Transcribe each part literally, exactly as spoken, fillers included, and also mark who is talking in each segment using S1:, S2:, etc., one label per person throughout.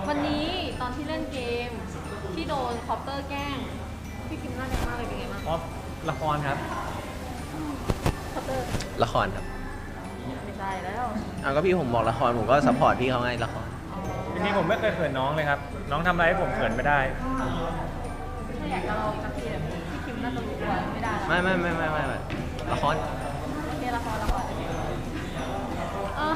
S1: วันนี้ตอนที่เล่นเกมที่โดนคอปเตอร์แกล้งพี่คิมน่าแดงมากเลยเป็นไงบ้าง
S2: อ๋อละครครับ
S1: คอปเตอร์
S3: ละครครับ
S1: ไม่ใช่แล้ว
S3: เอาก็พี่ผมบอกละครผมก็ซัพพอร์ตพี่เขาไงละคร
S2: จริงๆผมไม่เคยเขินน้องเลยครับน้องทำอะไรให้ผมเขินไม่ได้
S1: ถ้าอยากจะลองสักทีแบบพี่คิมน่าจะรู้ตัวไม่ได้
S3: ไม่ไม่ไม่ไม่ไม่ละคร
S1: โอเคละครละครเออ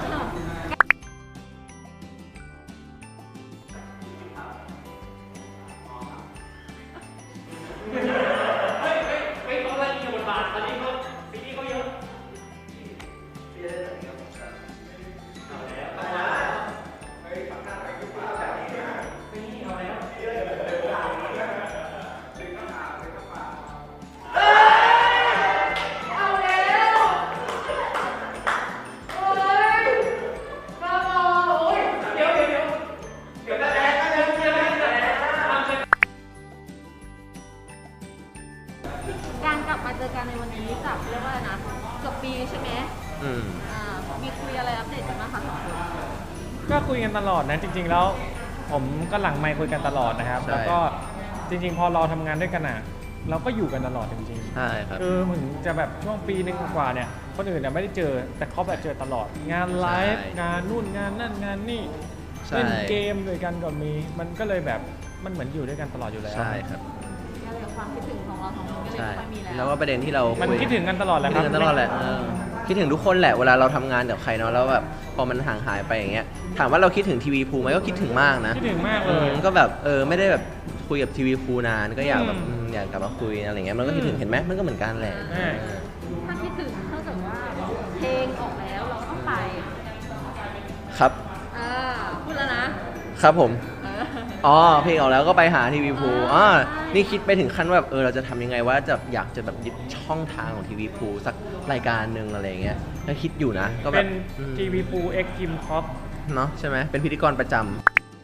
S1: การกลับมาเจอกันในวันนี้จากเรียกว่านะเกือบปีใช่ไหม
S3: อืม
S1: อ่ามีคุยอะไรอัปเดตกันบ้างคะสองคน
S2: ก็คุยกันตลอดนะจริงๆแล้วผมก็หลังไมค์คุยกันตลอดนะครับแล้วก็จริงๆพอเราทำงานด้วยกันอ่ะเราก็อยู่กันตลอดจริงๆ
S3: ใช่ครับ
S2: คือเหมือนจะแบบช่วงปีนึงกว่าเนี่ยคนอื่นเนี่ยไม่ได้เจอแต่เขาแบบเจอตลอดงานไลฟ์งานนู่นงานนั่นงานนี่เล่นเกมด้วยกันก็มีมันก็เลยแบบมันเหมือนอยู่ด้วยกันตลอดอยู่แล้ว
S3: ใช่ครับ
S1: ความคิดถึงของเราสองคนก็เลยไม่มีแล้ว
S3: แล้วว่าประเด็นที่เรา
S2: มันคิดถึงกันตลอดแหละครับ
S3: คิดถึงกันตลอดแหละคิดถึงทุกคนแหละเวลาเราทำงานกับใครเนาะแล้วแบบพอมันห่างหายไปอย่างเงี้ยถามว่าเราคิดถึงทีวีพูไหมก็คิดถึงมากนะ
S2: คิดถึงมากเลย
S3: ก็แบบเออไม่ได้แบบคุยกับทีวีพูนานก็อยากแบบอยากกลับมาคุยอะไรเงี้ยมันก็คิดถึงเห็นไหมมันก็เหมือนกันแหละ
S1: ถ้าคิดถึงเท่ากับว่าเพลงออกแล้วเราต้องไป
S3: ครับ
S1: อ่าพูดแล้วนะครับ
S3: ผมอ๋อเพลงออกแล้วก็ไปหาทีวีพูอ๋อนี่คิดไปถึงขั้นว่าแบบเออเราจะทำยังไงว่าจะอยากจะแบบยึดช่องทางของทีวีพูสักรายการหนึ่งอะไรเงี้ยก็คิดอยู่นะก็แบบ
S2: เป็นทีวีพูเอ็กคิมคอป
S3: เนาะใช่ไหมเป็นพิธีกรประจำ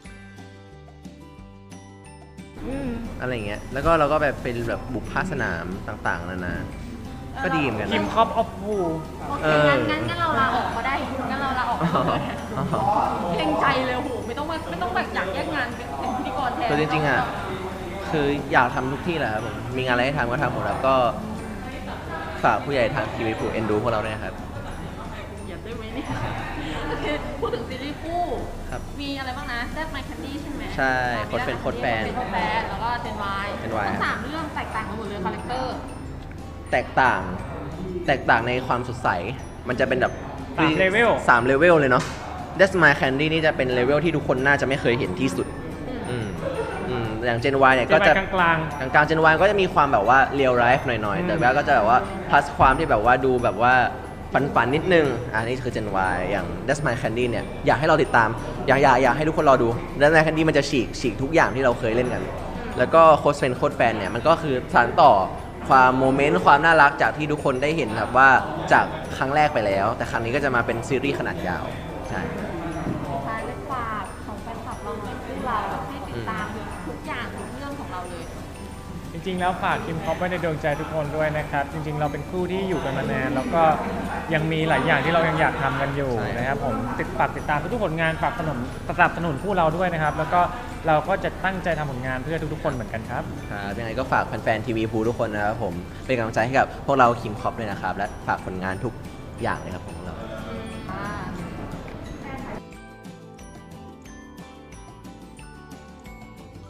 S3: อะไรเงี้ยแล้วก็เราก็แบบเป็นแบบบุกภาคสนามต่างๆนานาก็ดีเหมือนกัน
S2: คิมคอปออฟพู
S1: โอเคงั้นงั้นงั้นเราลาออกก็ได้งั้นเราลาออกเกรงใจเลยโหไม่ต้องไม่ต้องแบบอยากแยกงานเป็นพิธีกรแทน
S3: คือจริงๆอ่ะคืออยากทำทุกที่แหละครับผมมีงานอะไรให้ทำก็ทำหมดแล้วก็ฝากผู้ใหญ่ทางทีวีพูเอ็นดูพวกเราด้วยครับ
S1: อยากได้ไหมเนี่ยโอเคพูดถึงซีรีส์คู่มีอะไรบ้างนะแซดไมค์แคนดี้ใช่ไหม
S3: ใช่โค้ดเป็นโค้ดแฟน
S1: โค้ดแฟนแล้วก็เจนวายทั้งสามเรื่องแตกต่างกันหมดเลยคาแรคเตอร์
S3: แตกต่างแตกต่างในความสดใสมันจะเป็นแบบ
S2: สามเลเวล
S3: สามเลเวลเลยเนาะ That's My Candy นี่จะเป็นเลเวลที่ทุกคนน่าจะไม่เคยเห็นที่สุดอืมอืมอย่าง Gen Y เนี่ยก็จะ
S2: กลางกลาง
S3: กลาง Gen Y ก็จะมีความแบบว่า real life หน่อยๆแต่ว่าก็จะแบบว่า plus ความที่แบบว่าดูแบบว่าฝันๆนิดนึงอันนี้คือ Gen Y อย่าง That's My Candy เนี่ยอยากให้เราติดตามอยากอยากอยากให้ทุกคนรอดู That's My Candy มันจะฉีกฉีกทุกอย่างที่เราเคยเล่นกันแล้วก็โค้ดเฟนโค้ดแฟนเนี่ยมันก็คือสานต่อความโมเมนต์ความน่ารักจากที่ทุกคนได้เห็นครับว่าจากครั้งแรกไปแล้วแต่ครั้งนี้ก็จะมาเป็นซีรีส์ขนาดยาวใช่
S1: ใช่เลยฝากของแฟนคลับเราหน่อยที่เราให้ติดตามทุกอย่างทุกเรื่องของเราเลย
S2: จริงๆแล้วฝากคิมคอปไว้ในดวงใจทุกคนด้วยนะครับจริงๆเราเป็นคู่ที่อยู่กันมานานแล้วก็ยังมีหลายอย่างที่เรายังอยากทำกันอยู่นะครับผมติดฝากติดตามทุกๆผลงานฝากสนับสนับสนุนคู่เราด้วยนะครับแล้วก็เราก็จะตั้งใจทำผลงานเพื่อทุกๆคนเหมือนกันครับ
S3: ครับยังไงก็ฝากแฟนๆทีวีพูทุกคนนะครับผมเป็นกำลังใจให้กับพวกเราคิมคอปเลยนะครับและฝากผลงานทุกอย่างเลยครับของเรา